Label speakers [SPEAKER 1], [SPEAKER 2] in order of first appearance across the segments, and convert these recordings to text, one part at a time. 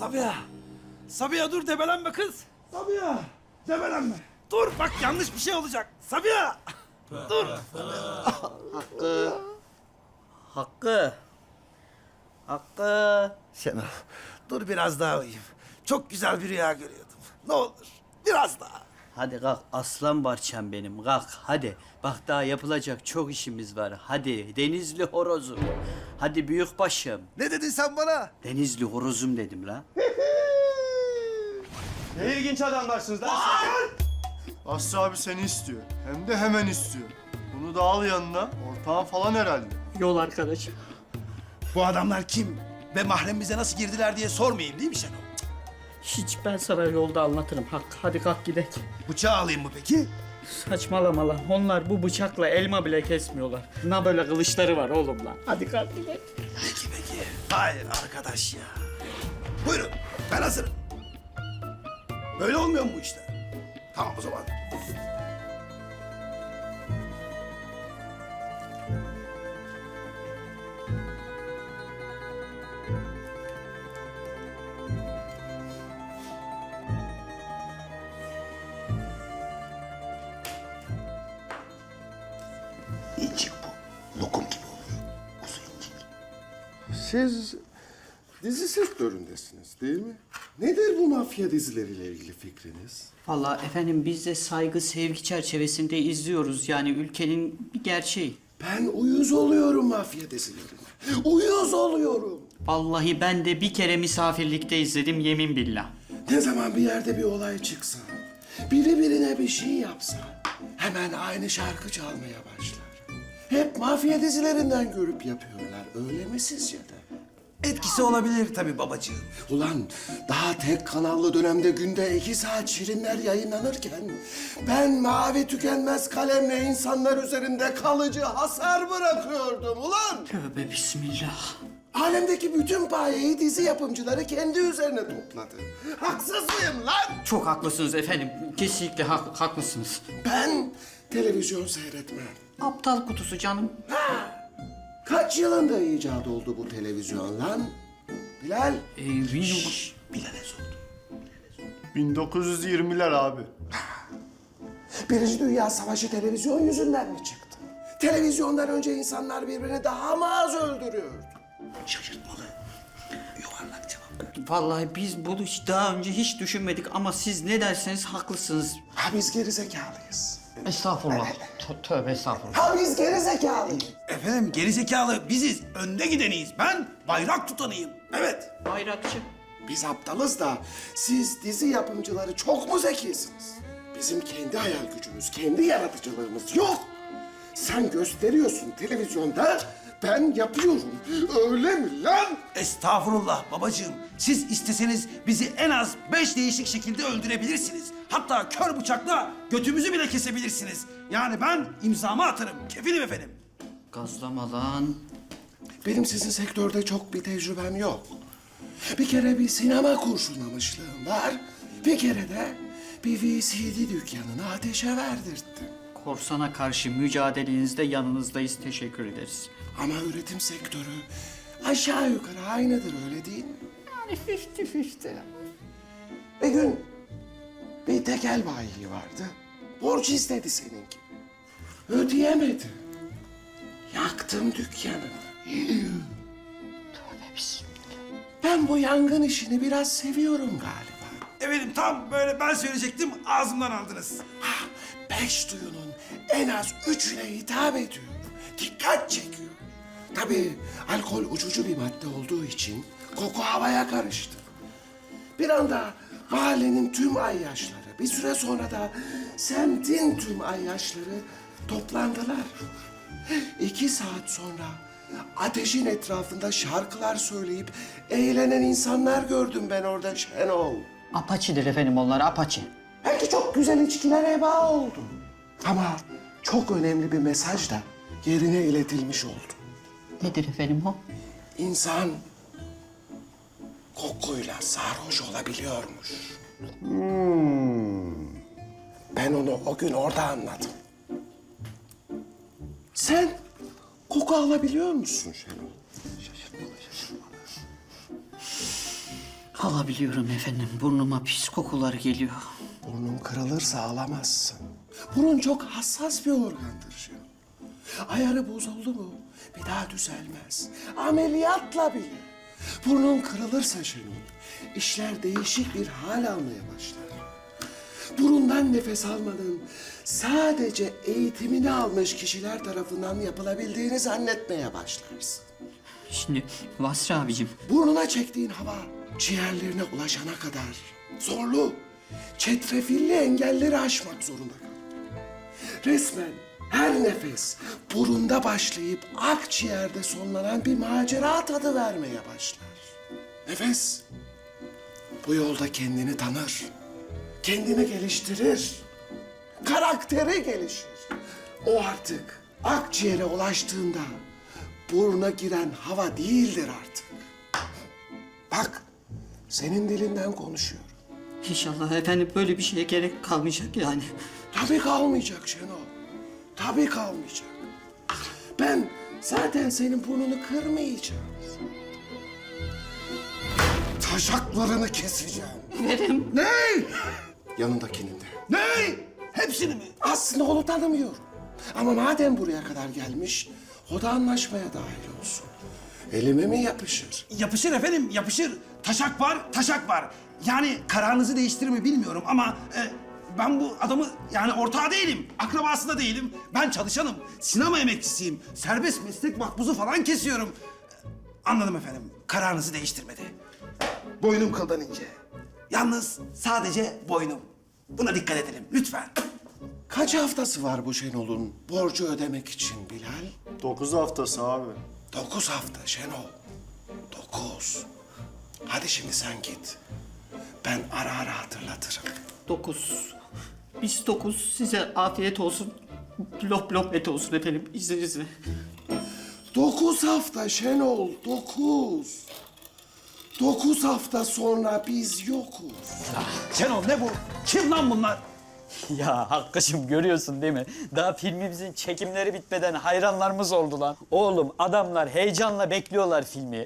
[SPEAKER 1] Sabiha. Sabiha dur debelenme kız. Sabiha. Debelenme. Dur bak yanlış bir şey olacak. Sabiha. Dur.
[SPEAKER 2] Hakkı. Hakkı.
[SPEAKER 1] Şenol dur biraz daha uyuyayım. Çok güzel bir rüya görüyordum. Ne olur biraz daha.
[SPEAKER 2] Hadi kalk aslan parçam benim kalk hadi. Bak daha yapılacak çok işimiz var. Hadi Denizli horozum. Hadi büyük başım.
[SPEAKER 1] Ne dedin sen bana?
[SPEAKER 2] Denizli horozum dedim la.
[SPEAKER 3] Ne ilginç adamlarsınız lan. Aslı abi seni istiyor. Hem de hemen istiyor. Bunu da al yanına. Ortağın falan herhalde.
[SPEAKER 2] Yol arkadaşım.
[SPEAKER 1] Bu adamlar kim? Ve mahremimize nasıl girdiler diye sormayayım değil mi Şenol?
[SPEAKER 2] Hiç ben sana yolda anlatırım Hakkı. Hadi kalk gidelim.
[SPEAKER 1] Bıçağı alayım mı peki?
[SPEAKER 2] Saçmalama lan. Onlar bu bıçakla elma bile kesmiyorlar. Ne böyle kılıçları var oğlum lan. Hadi kalk gidelim.
[SPEAKER 1] Peki. Hayır arkadaş ya. Buyurun ben hazırım. Böyle olmuyor mu bu işler? Tamam o zaman.
[SPEAKER 4] İncik bu. Lokum gibi oluyor. Kuzu incik.
[SPEAKER 5] Siz dizi sektöründesiniz değil mi? Nedir bu mafya dizileriyle ilgili fikriniz?
[SPEAKER 2] Vallahi efendim biz de saygı sevgi çerçevesinde izliyoruz. Yani ülkenin bir gerçeği.
[SPEAKER 5] Ben uyuz oluyorum mafya dizilerine. Uyuz oluyorum.
[SPEAKER 2] Vallahi ben de bir kere misafirlikte izledim yemin billah.
[SPEAKER 5] Ne zaman bir yerde bir olay çıksa, biri birine bir şey yapsa, hemen aynı şarkı çalmaya başlar. Hep mafya dizilerinden görüp yapıyorlar, öyle mi sizce de?
[SPEAKER 1] Etkisi olabilir tabii babacığım.
[SPEAKER 5] Ulan daha tek kanallı dönemde günde 2 saat şirinler yayınlanırken ben mavi tükenmez kalemle insanlar üzerinde kalıcı hasar bırakıyordum ulan.
[SPEAKER 2] Tövbe bismillah.
[SPEAKER 5] Alemdeki bütün payeyi dizi yapımcıları kendi üzerine topladı. Haksız mıyım lan?
[SPEAKER 2] Çok haklısınız efendim. Kesinlikle haklısınız.
[SPEAKER 5] Ben televizyon seyretmem.
[SPEAKER 2] Aptal kutusu canım.
[SPEAKER 5] Kaç yılında icat oldu bu televizyon lan? Bilal?
[SPEAKER 1] Bilal'e sordum.
[SPEAKER 3] 1920'ler abi.
[SPEAKER 5] Birinci Dünya Savaşı televizyon yüzünden mi çıktı? Televizyondan önce insanlar birbirini daha mı az öldürüyordu?
[SPEAKER 1] Şaşırtmalı. Yuvarlak cevap.
[SPEAKER 2] Vallahi biz bunu daha önce hiç düşünmedik ama siz ne derseniz haklısınız.
[SPEAKER 5] Ha biz gerizekalıyız.
[SPEAKER 2] Estağfurullah. Tövbe estağfurullah.
[SPEAKER 5] Ha biz gerizekalıyız.
[SPEAKER 1] Efendim gerizekalı biziz. Önde gideniyiz. Ben bayrak tutanıyım. Evet.
[SPEAKER 2] Bayrakçı.
[SPEAKER 5] Biz aptalız da siz dizi yapımcıları çok mu zekisiniz? Bizim kendi hayal gücümüz, kendi yaratıcılığımız yok. Sen gösteriyorsun televizyonda, ben yapıyorum. Öyle mi lan?
[SPEAKER 1] Estağfurullah babacığım. Siz isteseniz bizi en az 5 değişik şekilde öldürebilirsiniz. Hatta kör bıçakla götümüzü bile kesebilirsiniz. Yani ben imzamı atarım. Kefilim efendim.
[SPEAKER 2] Gazlama lan.
[SPEAKER 5] Benim sizin sektörde çok bir tecrübem yok. Bir kere bir sinema kurşunlamışlığım var. Bir kere de bir VCD dükkanını ateşe verdirttim.
[SPEAKER 2] Korsana karşı mücadelenizde yanınızdayız. Teşekkür ederiz.
[SPEAKER 5] Ama üretim sektörü aşağı yukarı aynıdır öyle değil mi?
[SPEAKER 2] Yani 50-50.
[SPEAKER 5] Bir gün bir tekel bayi vardı. Borç istedi senin gibi. Ödeyemedi. Yaktım dükkanı. Ben bu yangın işini biraz seviyorum galiba.
[SPEAKER 1] Efendim tam böyle ben söyleyecektim ağzımdan aldınız.
[SPEAKER 5] 5 duyunun en az 3'üne hitap ediyor. Dikkat çekiyor. Tabii alkol uçucu bir madde olduğu için koku havaya karıştı. Bir anda mahallenin tüm ayyaşları, bir süre sonra da semtin tüm ayyaşları toplandılar. 2 saat sonra ateşin etrafında şarkılar söyleyip eğlenen insanlar gördüm ben orada Şenol.
[SPEAKER 2] Apaçidir efendim onlar apaçi.
[SPEAKER 5] Belki çok güzel içkiler heba oldu. Ama çok önemli bir mesaj da yerine iletilmiş oldu.
[SPEAKER 2] Nedir efendim o?
[SPEAKER 5] İnsan kokuyla sarhoş olabiliyormuş. Ben onu o gün orada anladım. Sen koku alabiliyor musun Şenol? Şaşırtmalı.
[SPEAKER 2] Alabiliyorum efendim. Burnuma pis kokular geliyor.
[SPEAKER 5] Burnun kırılırsa ağlamazsın. Burun çok hassas bir organdır Şenol. Ayarı bozuldu mu bir daha düzelmez. Ameliyatla bile. Burnun kırılırsa Şenol, işler değişik bir hal almaya başlar. Burundan nefes almanın sadece eğitimini almış kişiler tarafından yapılabildiğini zannetmeye başlarsın.
[SPEAKER 2] Şimdi Vasri abicim.
[SPEAKER 5] Burnuna çektiğin hava ciğerlerine ulaşana kadar zorlu, çetrefilli engelleri aşmak zorunda kal. Resmen her nefes burunda başlayıp akciğerde sonlanan bir macera tadı vermeye başlar. Nefes bu yolda kendini tanır, kendini geliştirir, karakteri gelişir. O artık akciğere ulaştığında buruna giren hava değildir artık. Bak, senin dilinden konuşuyorum.
[SPEAKER 2] İnşallah efendim böyle bir şeye gerek kalmayacak yani.
[SPEAKER 5] Tabii kalmayacak Şenol. Tabii kalmayacak. Ben zaten senin burnunu kırmayacağım. Taşaklarını keseceğim.
[SPEAKER 2] Verim.
[SPEAKER 1] Ne?
[SPEAKER 5] Yanındakinin de.
[SPEAKER 1] Ne? Hepsini mi?
[SPEAKER 5] Aslında onu tanımıyorum. Ama madem buraya kadar gelmiş, o da anlaşmaya dahil olsun. Elime mi yapışır?
[SPEAKER 1] Yapışır efendim, yapışır. Taşak var, taşak var. Yani kararınızı değiştirir mi bilmiyorum ama ben bu adamı yani ortağı değilim, akrabası da değilim. Ben çalışanım, sinema emekçisiyim. Serbest meslek makbuzu falan kesiyorum. Anladım efendim, kararınızı değiştirmedi. Boynum kıldan ince. Yalnız sadece boynum. Buna dikkat edelim lütfen.
[SPEAKER 5] Kaç haftası var bu Şenol'un borcu ödemek için Bilal?
[SPEAKER 3] 9 haftası abi.
[SPEAKER 5] 9 hafta Şenol. 9. Hadi şimdi sen git. Ben ara ara hatırlatırım.
[SPEAKER 2] 9. Biz 9. Size afiyet olsun. Lop lop et olsun efendim izninizle.
[SPEAKER 5] 9 hafta Şenol, 9. 9 hafta sonra biz yokuz.
[SPEAKER 1] Şenol ne bu? Kim lan bunlar?
[SPEAKER 2] Ya Hakkı'cığım görüyorsun değil mi? Daha filmimizin çekimleri bitmeden hayranlarımız oldu lan. Oğlum adamlar heyecanla bekliyorlar filmi.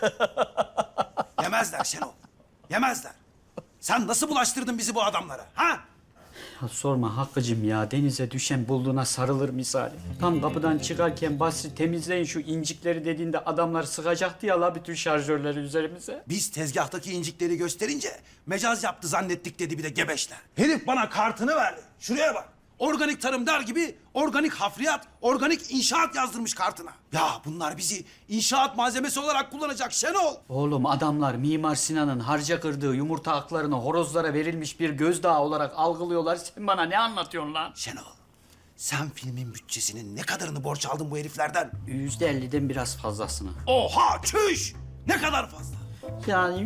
[SPEAKER 1] Yemezler Şenol. Yemezler. Sen nasıl bulaştırdın bizi bu adamlara? Ha?
[SPEAKER 2] Ya sorma Hakkı'cığım ya. Denize düşen bulduğuna sarılır misali. Tam kapıdan çıkarken Basri temizleyin şu incikleri dediğinde adamlar sıkacaktı ya la bütün şarjörleri üzerimize.
[SPEAKER 1] Biz tezgahtaki incikleri gösterince mecaz yaptı zannettik dedi bir de gebeşler. Herif bana kartını verdi. Şuraya bak. Organik tarım der gibi organik hafriyat, organik inşaat yazdırmış kartına. Ya bunlar bizi inşaat malzemesi olarak kullanacak Şenol.
[SPEAKER 2] Oğlum adamlar Mimar Sinan'ın harca kırdığı yumurta haklarını horozlara verilmiş bir gözdağı olarak algılıyorlar. Sen bana ne anlatıyorsun lan?
[SPEAKER 1] Şenol, sen filmin bütçesinin ne kadarını borç aldın bu heriflerden?
[SPEAKER 2] %50'den biraz fazlasını.
[SPEAKER 1] Oha çüş! Ne kadar fazla?
[SPEAKER 2] Yani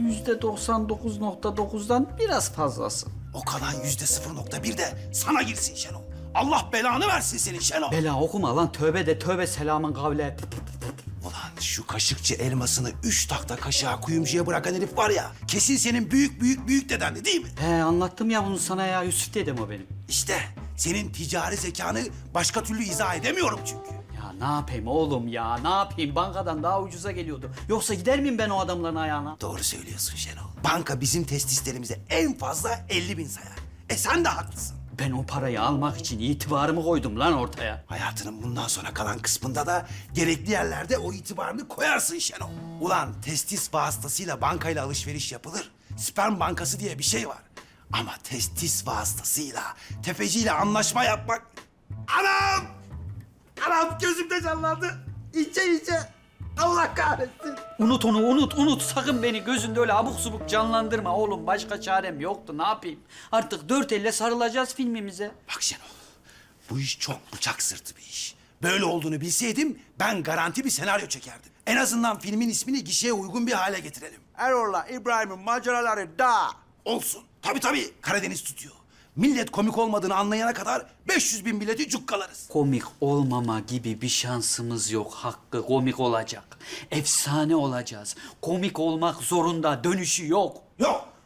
[SPEAKER 2] %99.9'dan biraz fazlası.
[SPEAKER 1] O kalan %0.1 de sana girsin Şenol. Allah belanı versin senin Şenol.
[SPEAKER 2] Bela okuma lan tövbe de tövbe selamın kavle.
[SPEAKER 1] Ulan şu kaşıkçı elmasını 3 takta kaşığa kuyumcuya bırakan herif var ya... ...kesin senin büyük büyük büyük dedendi değil mi?
[SPEAKER 2] He anlattım ya bunu sana ya Yusuf dedem o benim.
[SPEAKER 1] İşte senin ticari zekanı başka türlü izah edemiyorum çünkü.
[SPEAKER 2] Ya ne yapayım oğlum ya ne yapayım bankadan daha ucuza geliyordu. Yoksa gider miyim ben o adamların ayağına?
[SPEAKER 1] Doğru söylüyorsun Şenol. Banka bizim testislerimize en fazla 50.000 sayar. Sen de haklısın.
[SPEAKER 2] Ben o parayı almak için itibarımı koydum lan ortaya.
[SPEAKER 1] Hayatının bundan sonra kalan kısmında da gerekli yerlerde o itibarını koyarsın Şenol. Ulan testis vasıtasıyla bankayla alışveriş yapılır. Sperm bankası diye bir şey var. Ama testis vasıtasıyla tefeciyle anlaşma yapmak... Anam! Anam gözümde canlandı. İçe. Allah kahretsin.
[SPEAKER 2] Unut onu unut sakın beni gözünde öyle abuk subuk canlandırma oğlum. Başka çarem yoktu ne yapayım. Artık dört elle sarılacağız filmimize.
[SPEAKER 1] Bak Şenol, bu iş çok bıçak sırtı bir iş. Böyle olduğunu bilseydim ben garanti bir senaryo çekerdim. En azından filmin ismini gişeye uygun bir hale getirelim. Erol'la İbrahim'in maceraları da olsun. Tabii Karadeniz tutuyor. Millet komik olmadığını anlayana kadar 500.000 bileti cukkalarız.
[SPEAKER 2] Komik olmama gibi bir şansımız yok Hakkı. Komik olacak. Efsane olacağız. Komik olmak zorunda. Dönüşü yok.
[SPEAKER 1] Yok,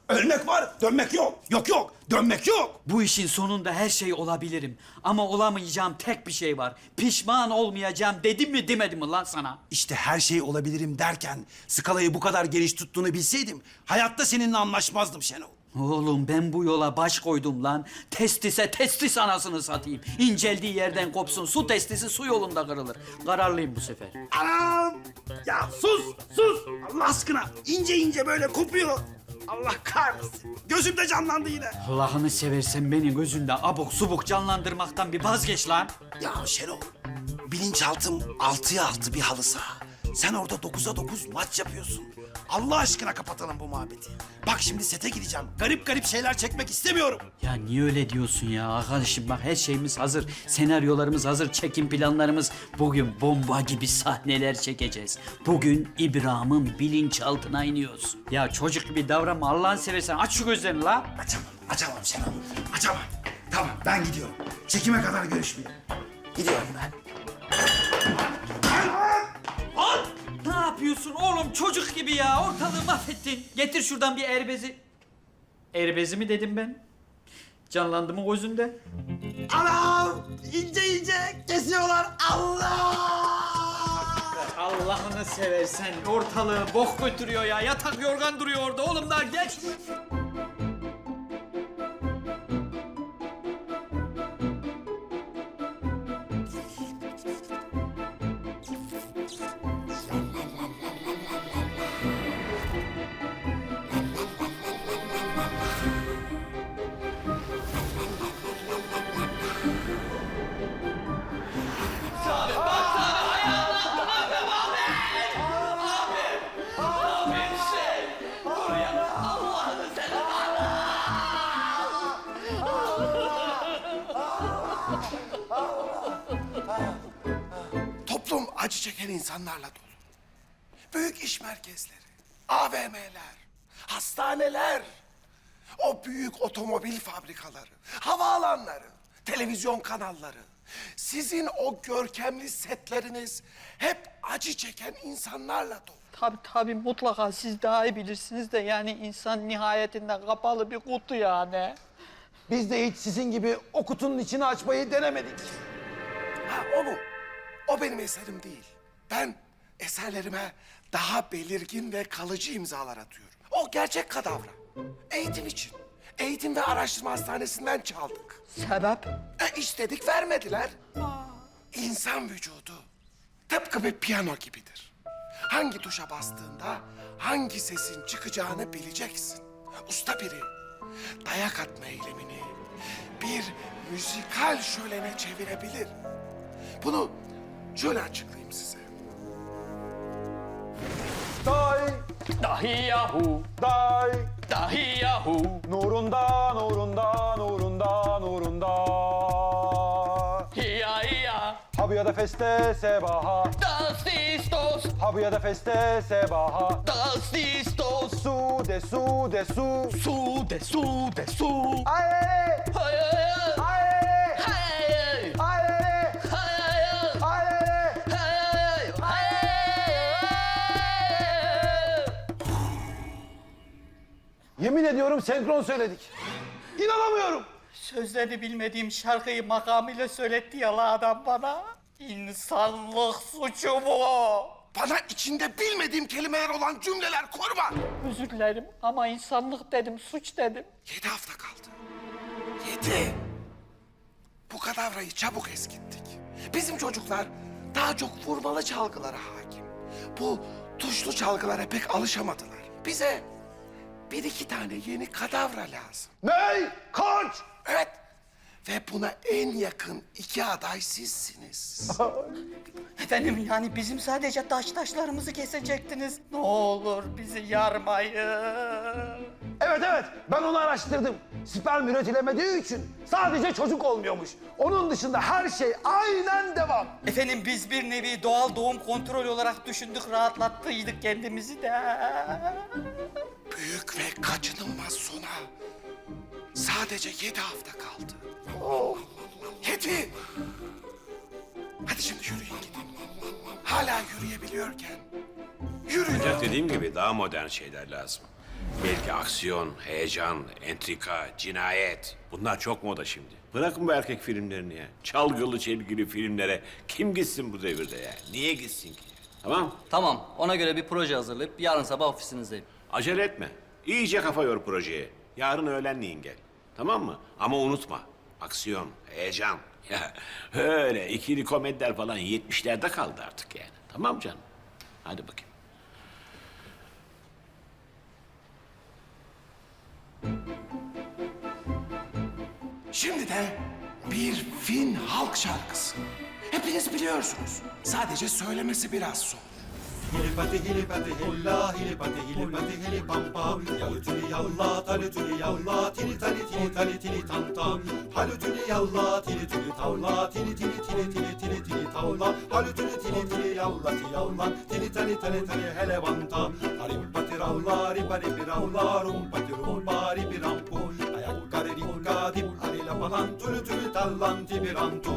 [SPEAKER 1] Ölmek var, dönmek yok. Yok yok, dönmek yok.
[SPEAKER 2] Bu işin sonunda her şey olabilirim. Ama olamayacağım tek bir şey var. Pişman olmayacağım dedim mi demedim mi lan sana?
[SPEAKER 1] İşte her şey olabilirim derken skalayı bu kadar geniş tuttuğunu bilseydim hayatta seninle anlaşmazdım Şenol.
[SPEAKER 2] Oğlum ben bu yola baş koydum lan. Testise testis anasını satayım. İnceldiği yerden kopsun. Su testisi su yolunda kırılır. Kararlıyım bu sefer.
[SPEAKER 1] Anam! Ya sus, sus! Allah aşkına ince ince böyle kopuyor. Allah kahretsin. Gözümde canlandı yine.
[SPEAKER 2] Allah'ını seversen beni gözünde abuk subuk canlandırmaktan bir vazgeç lan.
[SPEAKER 1] Ya Şenol, bilinçaltım 6'ya 6 bir halı saha. Sen orada 9'a 9 maç yapıyorsun. Allah aşkına kapatalım bu muhabbeti. Bak şimdi sete gideceğim. Garip garip şeyler çekmek istemiyorum.
[SPEAKER 2] Ya niye öyle diyorsun ya arkadaşım, bak her şeyimiz hazır. Senaryolarımız hazır, çekim planlarımız. Bugün bomba gibi sahneler çekeceğiz. Bugün İbrahim'in bilinçaltına iniyoruz. Ya çocuk gibi davranma Allah'ını seversen, aç şu gözlerini la.
[SPEAKER 1] Açamam Şenol, açamam. Tamam ben gidiyorum. Çekime kadar görüşmeyelim. Gidiyorum ben.
[SPEAKER 2] Ne yapıyorsun oğlum, çocuk gibi ya, ortalığı mahvettin. Getir şuradan bir erbezi. Erbezi mi dedim ben? Canlandı mı gözünde?
[SPEAKER 1] Anam! İnce ince kesiyorlar. Allah!
[SPEAKER 2] Allah'ını seversen ortalığı bok götürüyor ya. Yatak yorgan duruyor orada oğlum, daha geç.
[SPEAKER 5] Toplum acı çeken insanlarla dolu. Büyük iş merkezleri, AVM'ler, hastaneler, o büyük otomobil fabrikaları, havaalanları, televizyon kanalları, sizin o görkemli setleriniz hep acı çeken insanlarla dolu.
[SPEAKER 2] Tabii mutlaka siz daha iyi bilirsiniz de, yani insan nihayetinde kapalı bir kutu yani.
[SPEAKER 6] Biz de hiç sizin gibi o kutunun içini açmayı denemedik.
[SPEAKER 5] Ha, o mu? O benim eserim değil. Ben eserlerime daha belirgin ve kalıcı imzalar atıyorum. O gerçek kadavra. Eğitim için. Eğitim ve Araştırma Hastanesi'nden çaldık.
[SPEAKER 2] Sebep?
[SPEAKER 5] İstedik vermediler. İnsan vücudu tıpkı bir piyano gibidir. Hangi tuşa bastığında hangi sesin çıkacağını bileceksin. Usta biri dayak atma eylemini bir müzikal şölene çevirebilir. Bunu şöyle açıklayayım size.
[SPEAKER 6] Dahi yahu nurunda Habıya da feste sebaha Habıya da feste sebaha Su de su Aye Yemin ediyorum senkron söyledik. İnanamıyorum.
[SPEAKER 2] Sözlerini bilmediğim şarkıyı makamıyla söyletti ya la adam bana. İnsanlık suçu bu.
[SPEAKER 5] Bana içinde bilmediğim kelimeler olan cümleler kurma.
[SPEAKER 2] Özür dilerim ama insanlık dedim, suç dedim.
[SPEAKER 5] 7 hafta kaldı. 7. Bu kadavrayı çabuk eskittik. Bizim çocuklar daha çok vurmalı çalgılara hakim. Bu tuşlu çalgılara pek alışamadılar. Bize bir iki tane yeni kadavra lazım.
[SPEAKER 6] Ney? Kaç?
[SPEAKER 5] Evet. Ve buna en yakın 2 aday sizsiniz.
[SPEAKER 2] Efendim, yani bizim sadece taşlarımızı kesecektiniz. Ne olur bizi yarmayın.
[SPEAKER 6] Evet ben onu araştırdım. Sperm üretilemediği için sadece çocuk olmuyormuş. Onun dışında her şey aynen devam.
[SPEAKER 2] Efendim biz bir nevi doğal doğum kontrol olarak düşündük, rahatlattıydık kendimizi de.
[SPEAKER 5] Büyük ve kaçınılmaz sona sadece 7 hafta kaldı. 7. Hadi şimdi yürüyün gidin. Hala yürüyebiliyorken yürüyün.
[SPEAKER 7] Ancak dediğim gibi daha modern şeyler lazım. Belki aksiyon, heyecan, entrika, cinayet. Bunlar çok moda şimdi. Bırakın bu erkek filmlerini ya. Çalgılı çelgili filmlere kim gitsin bu devirde ya? Niye gitsin ki? Tamam?
[SPEAKER 8] Tamam, ona göre bir proje hazırlayıp yarın sabah ofisinizdeyim.
[SPEAKER 7] Acele etme. İyice kafa yor projeye. Yarın öğlenleyin gel. Tamam mı? Ama unutma. Aksiyon, heyecan. Ya öyle ikili komediler falan 70'lerde kaldı artık yani. Tamam canım? Hadi bakayım.
[SPEAKER 5] Şimdi de bir Fin halk şarkısı. Hepiniz biliyorsunuz. Sadece söylemesi biraz zor.
[SPEAKER 9] Hilipati hilipati hilla hilipati hilipati hilipampa Yalutuni yalla talutuni yalla tili tali tili tali tili tam tam Halutuni yalla tili tili tavla tili tili tili tili tili tili tavla Halutuni tili tili yalla ti yalla tili tali tali tali hele banta Harimpati ravla ripari piravla rumpati rumpari pirampu Ayakkari rikka dip harila palan tülü tülü tallan tibirantu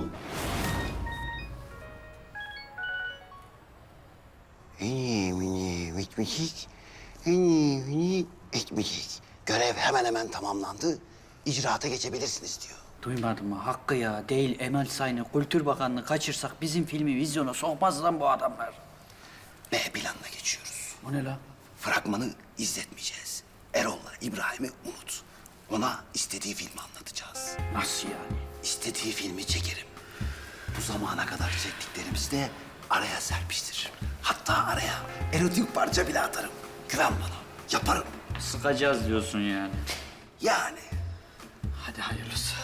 [SPEAKER 4] Eni mini bitmişik, eni mini etmişik. Görev hemen hemen tamamlandı. İcraata geçebilirsiniz diyor.
[SPEAKER 2] Duymadın mı? Hakkı ya. Değil Emel Sayın'ı, Kültür Bakanlığı kaçırsak bizim filmi vizyona sokmaz lan bu adamlar.
[SPEAKER 4] B planına geçiyoruz.
[SPEAKER 2] O ne lan?
[SPEAKER 4] Fragmanı izletmeyeceğiz. Erol'la İbrahim'i unut. Ona istediği filmi anlatacağız.
[SPEAKER 2] Nasıl yani?
[SPEAKER 4] İstediği filmi çekerim. Bu zamana kadar çektiklerimizi de araya serpiştiririm. Hatta araya erotik parça bile atarım. Güven bana. Yaparım.
[SPEAKER 2] Sıkacağız diyorsun yani.
[SPEAKER 4] Yani.
[SPEAKER 2] Hadi hayırlısı.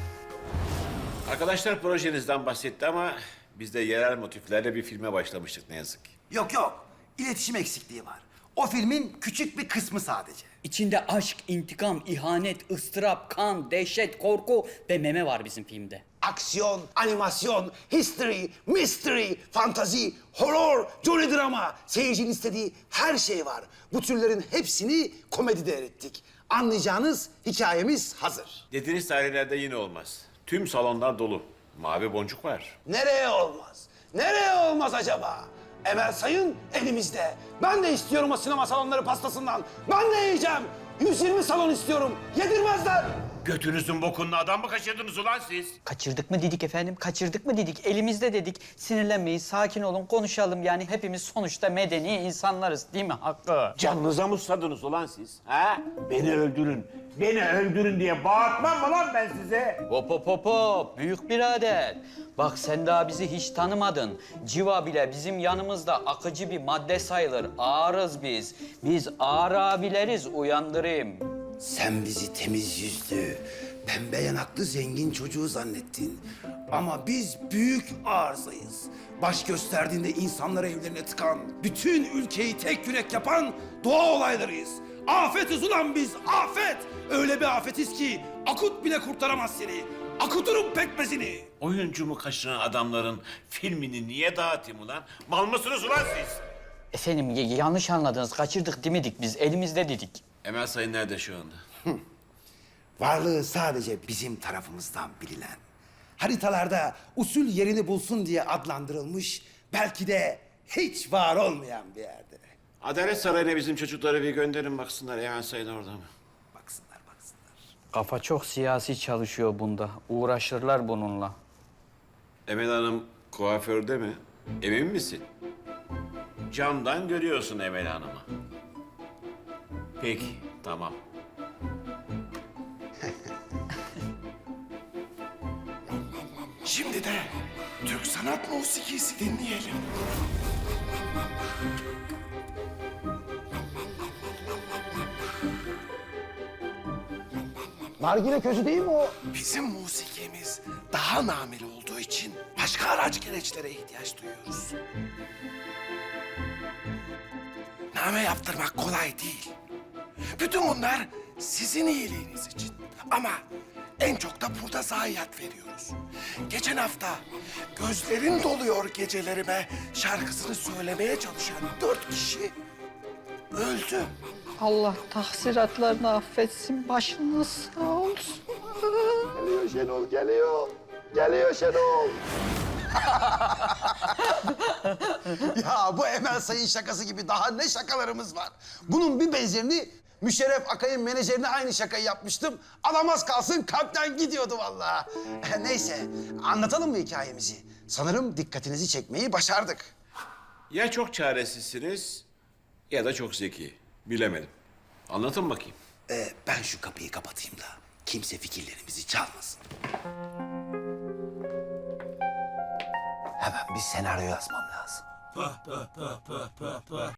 [SPEAKER 7] Arkadaşlar projenizden bahsetti ama biz de yerel motiflerle bir filme başlamıştık ne yazık ki.
[SPEAKER 6] Yok yok. İletişim eksikliği var. O filmin küçük bir kısmı sadece.
[SPEAKER 2] İçinde aşk, intikam, ihanet, ıstırap, kan, dehşet, korku ve meme var bizim filmde.
[SPEAKER 6] Aksiyon, animasyon, history, mystery, fantazi, horror, Johnny drama. Seyircinin istediği her şey var. Bu türlerin hepsini komedide erittik. Anlayacağınız hikayemiz hazır.
[SPEAKER 7] Dediğiniz tarihlerde yine olmaz. Tüm salonlar dolu. Mavi boncuk var.
[SPEAKER 6] Nereye olmaz? Nereye olmaz acaba? Emel Sayın elimizde. Ben de istiyorum o sinema salonları pastasından. Ben de yiyeceğim. 120 salon istiyorum. Yedirmezler.
[SPEAKER 7] Götünüzün bokunlu adam mı kaçırdınız ulan siz?
[SPEAKER 2] Kaçırdık mı dedik efendim, kaçırdık mı dedik. Elimizde dedik. Sinirlenmeyin, sakin olun, konuşalım. Yani hepimiz sonuçta medeni insanlarız değil mi Hakkı?
[SPEAKER 7] Canınıza mı susadınız ulan siz? Ha? Beni öldürün. Beni öldürün diye bağırtmam mı lan ben size?
[SPEAKER 2] Hop hop hop hop, büyük birader. Bak sen daha bizi hiç tanımadın. Civa bile bizim yanımızda akıcı bir madde sayılır. Ağırız biz. Biz ağır abileriz, uyandırayım.
[SPEAKER 1] Sen bizi temiz yüzlü, pembe yanaklı zengin çocuğu zannettin. Ama biz büyük arızayız. Baş gösterdiğinde insanları evlerine tıkan, bütün ülkeyi tek yürek yapan doğa olaylarıyız. Afetiz ulan biz, afet! Öyle bir afetiz ki akut bile kurtaramaz seni. Akuturum pekmezini.
[SPEAKER 7] Oyuncumu kaçıran adamların filmini niye dağıtayım ulan? Mal mısınız ulan siz?
[SPEAKER 2] Efendim yanlış anladınız. Kaçırdık demedik biz. Elimizde dedik.
[SPEAKER 7] Emel Sayın nerede şu anda?
[SPEAKER 1] Varlığı sadece bizim tarafımızdan bilinen, haritalarda usul yerini bulsun diye adlandırılmış, belki de hiç var olmayan bir yerde.
[SPEAKER 7] Adalet Sarayı'na bizim çocukları bir gönderin baksınlar. Emel Sayın orada mı?
[SPEAKER 1] Baksınlar, baksınlar.
[SPEAKER 2] Kafa çok siyasi çalışıyor bunda. Uğraşırlar bununla.
[SPEAKER 7] Emel Hanım kuaförde mi? Emin misin? Camdan görüyorsun Emel Hanım'ı. Peki, tamam.
[SPEAKER 5] Şimdi de Türk sanat musikisi dinleyelim.
[SPEAKER 6] Nargile közü değil mi o?
[SPEAKER 5] Bizim musikimiz daha nameli olduğu için başka araç gereçlere ihtiyaç duyuyoruz. Name yaptırmak kolay değil. Bütün bunlar sizin iyiliğiniz için. Ama en çok da burada zayiat veriyoruz. Geçen hafta gözlerin doluyor gecelerime şarkısını söylemeye çalışan 4 kişi öldü.
[SPEAKER 2] Allah tahsiratlarını affetsin. Başınız sağ olsun.
[SPEAKER 6] Geliyor Şenol, geliyor. Geliyor Şenol. Ya bu Emel Sayın şakası gibi daha ne şakalarımız var. Bunun bir benzerini Müşerref Akay'ın menajerine aynı şakayı yapmıştım. Alamaz kalsın kalpten gidiyordu vallahi. Neyse, anlatalım mı hikayemizi? Sanırım dikkatinizi çekmeyi başardık.
[SPEAKER 7] Ya çok çaresizsiniz ya da çok zeki. Bilemedim. Anlatın bakayım.
[SPEAKER 4] Ben şu kapıyı kapatayım da kimse fikirlerimizi çalmasın. Hemen bir senaryo yazmam lazım.